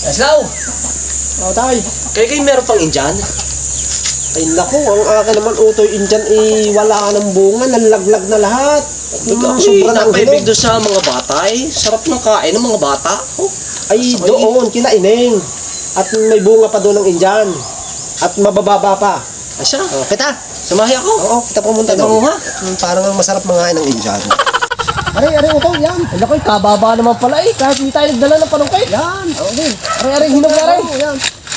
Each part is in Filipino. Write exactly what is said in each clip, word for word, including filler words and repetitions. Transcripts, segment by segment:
Aslaw! Oh, tay. Kaya kayo meron pang Indian? Ay naku, ang akin naman utoy Indian eh, wala ng bunga, nalaglag na lahat. Hmm, Sobrang ang napaibig hinog. doon sa mga bata eh. Sarap ng kain ng mga bata. Oh. Ay Sabay. doon, kila Ineng. At may bunga pa doon ng Indian. At mabababa pa. Ay siya. Oh, kita. Samahi ako. Oo, kita pumunta Ay, doon. manguha. Hmm, parang ang masarap mangain ng Indian. Aray, aray, utoy, yan. Ay, naku, kababa naman pala eh. Kahit hindi tayo nagdala ng panungkay. Yan, okay. Aray, aray, hinog na rin. Oo, yan.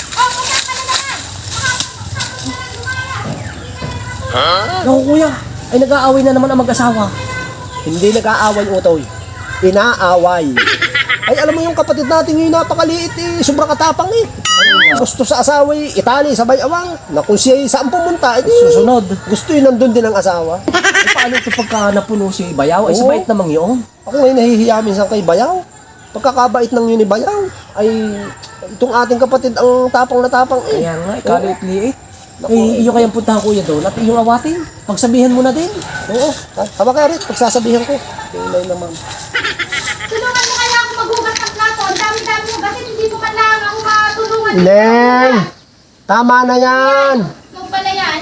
Naku, kuya. Ay, nag-aaway na naman ang mag-asawa. Hindi nag-aaway, utoy. Inaaway. Ay, alam mo yung kapatid natin yung napakaliit eh. Sobrang katapang eh. Gusto sa asawa eh, Itali, sabay awang. Na kung siya saan pumunta, eh, Susunod. gusto yun nandun din ang asawa. Ay, paano ito pagka napuno si Bayaw? Ay, Oo. si Bait namang yun. Ako ngayon nahihiya minsan kay Bayaw. Pagkakabait ng yun ni Bayaw, ay itong ating kapatid ang tapang na tapang eh. Kaya nga, ikaliit-liit. Ay, iyo kayang puntahan kuya doon at iyong awatin. Pagsabihan mo na din. Oo, ha- haba kaya rin, pagsasabihan ko. Kailan naman. Tulungan mo kaya ako maghugas ng plato. Ang dami-dami mo kasi hindi mo man lang ako matulungan. Neng! Tama na yan! Yung pala yan.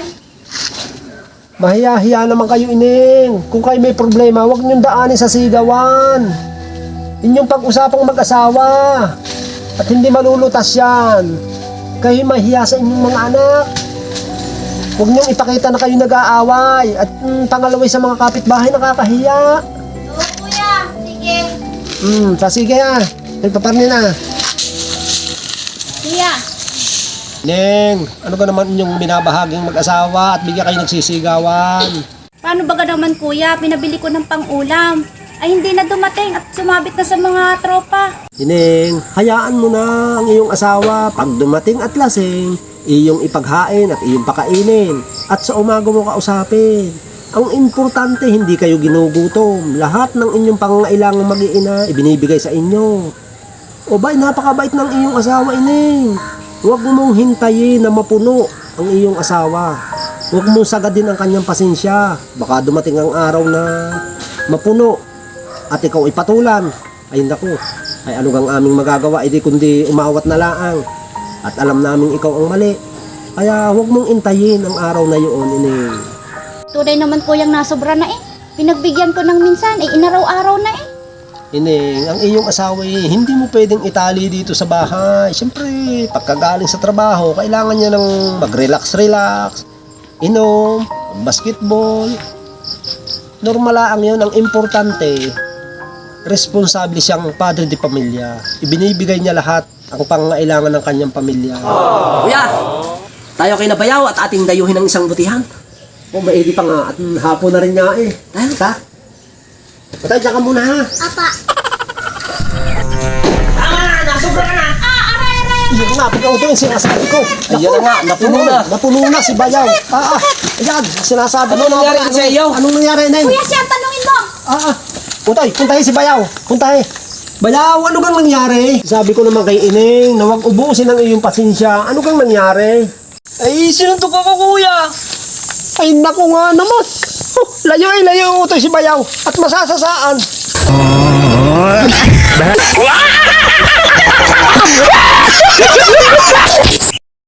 Mahiya-hiya naman kayo, Ineng. Kung kayo may problema, huwag niyong daanin sa sigawan. Inyong pag-usapang mag-asawa. At hindi malulutas yan. Kayo mahiya sa inyong mga anak. Huwag niyong ipakita na kayo nag-aaway. At mm, pangalaway sa mga kapitbahay, nakakahiya. Oo, kuya. Sige. Hmm, sa sige ah. Nagpaparni na. Kuya. Neng, ano ka naman inyong binabahaging mag-asawa at bigyan kayo nagsisigawan? Paano ba ka naman, kuya? Pinabili ko ng pang-ulam. Ay, hindi na dumating at sumabit na sa mga tropa. Ineng, hayaan mo na ang iyong asawa. Pag dumating at lasing, iyong ipaghain at iyong pakainin. At sa umaga mo kausapin. Ang importante, hindi kayo ginugutom. Lahat ng inyong pangangailangang mag-iina, ibinibigay sa inyo. O ba, napakabait ng iyong asawa, Ineng. Huwag mong hintayin na mapuno ang iyong asawa. Huwag mong sagadin ang kanyang pasensya. Baka dumating ang araw na mapuno at ikaw ay patulan. Ay naku, ay ano gang aming magagawa, edi kundi umawat na laang. At alam namin ikaw ang mali. Kaya huwag mong intayin ang araw na yun, Ineng. Tunay naman, kuyang nasobra na eh. Pinagbigyan ko ng minsan, eh, inaraw-araw na eh. Ineng, ang iyong asawa eh, hindi mo pwedeng itali dito sa bahay. Siyempre, pagkagaling sa trabaho, kailangan niya ng mag-relax-relax, inom, basketball. Normal lang yun. Ang importante, responsable siyang padre de pamilya. Ibinibigay niya lahat ang pangangailangan ng kanyang pamilya. Kuya, tayo kay Nabayaw at ating dayuhin ng isang butihan. O, maigi pa nga. At hapon na rin nga eh. Tayo. Ta? Patay, dyan ka muna ha. Apa. Tama na, nasobra ka na. Ah, aray, aray. Iyon nga, pag-auto yung sinasabi ko. Ayan na nga, napuno na. Napuno na si Bayaw. Ah, ah. Ayan, sinasabi Anong ko na- nangyari ano- sa iyo? Anong nangyari, Neng? Kuya, siya, tanungin mo. Ah, ah. Puntay, puntahin si Bayaw. Puntahin. Bayaw, ano kang nangyari? Sabi ko naman kay Ineng na huwag ubusin ang iyong pasensya. Ano kang nangyari? Ay, sinuntok ako kuya. Ay, naku nga naman. Huh, layo ay layo utoy si Bayaw. At masasasaan.